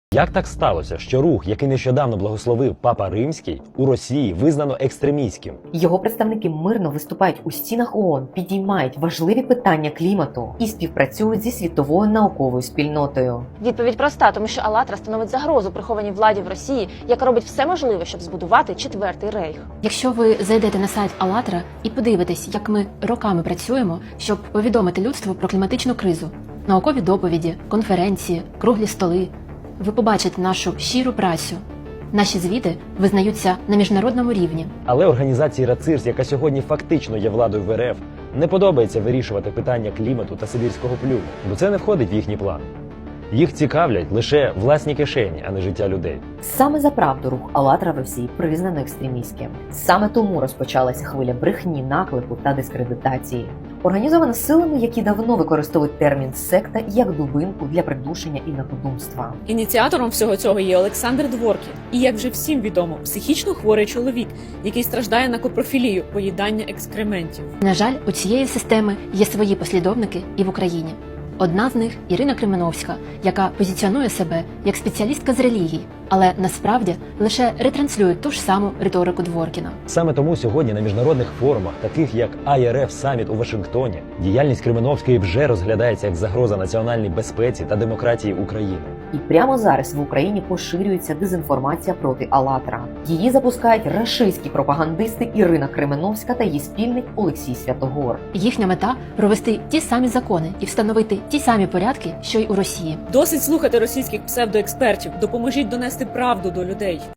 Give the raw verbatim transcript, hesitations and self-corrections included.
Як так сталося, що рух, який нещодавно благословив Папа Римський, у Росії визнано екстремістським? Його представники мирно виступають у стінах ООН, підіймають важливі питання клімату і співпрацюють зі світовою науковою спільнотою. Відповідь проста, тому що «АЛЛАТРА» становить загрозу прихованій владі в Росії, яка робить все можливе, щоб збудувати четвертий рейх. Якщо ви зайдете на сайт «АЛЛАТРА» і подивитесь, як ми роками працюємо, щоб повідомити людству про кліматичну кризу, наукові доповіді, конференції, круглі столи, ви побачите нашу щиру працю. Наші звіти визнаються на міжнародному рівні. Але організації РАЦИРС, яка сьогодні фактично є владою в РФ, не подобається вирішувати питання клімату та сибірського плюну, бо це не входить в їхній план. Їх цікавлять лише власні кишені, а не життя людей. Саме за правду рух «АЛЛАТРА» в Росії признано екстремістським. Саме тому розпочалася хвиля брехні, наклепу та дискредитації. Організована силами, які давно використовують термін «секта» як дубинку для придушення інакодумства. Ініціатором всього цього є Олександр Дворкін. І, як вже всім відомо, психічно хворий чоловік, який страждає на копрофілію – поїдання екскрементів. На жаль, у цієї системи є свої послідовники і в Україні. Одна з них – Ірина Кременовська, яка позиціонує себе як спеціалістка з релігій, але насправді лише ретранслює ту ж саму риторику Дворкіна. Саме тому сьогодні на міжнародних форумах, таких як ай ар еф Саміт у Вашингтоні, діяльність Кременовської вже розглядається як загроза національній безпеці та демократії України. І прямо зараз в Україні поширюється дезінформація проти «АЛЛАТРА». Її запускають рашистські пропагандисти Ірина Кременовська та її спільник Олексій Святогор. Їхня мета – провести ті самі закони і встановити ті самі порядки, що й у Росії. Досить слухати російських псевдоекспертів, допоможіть донести правду до людей.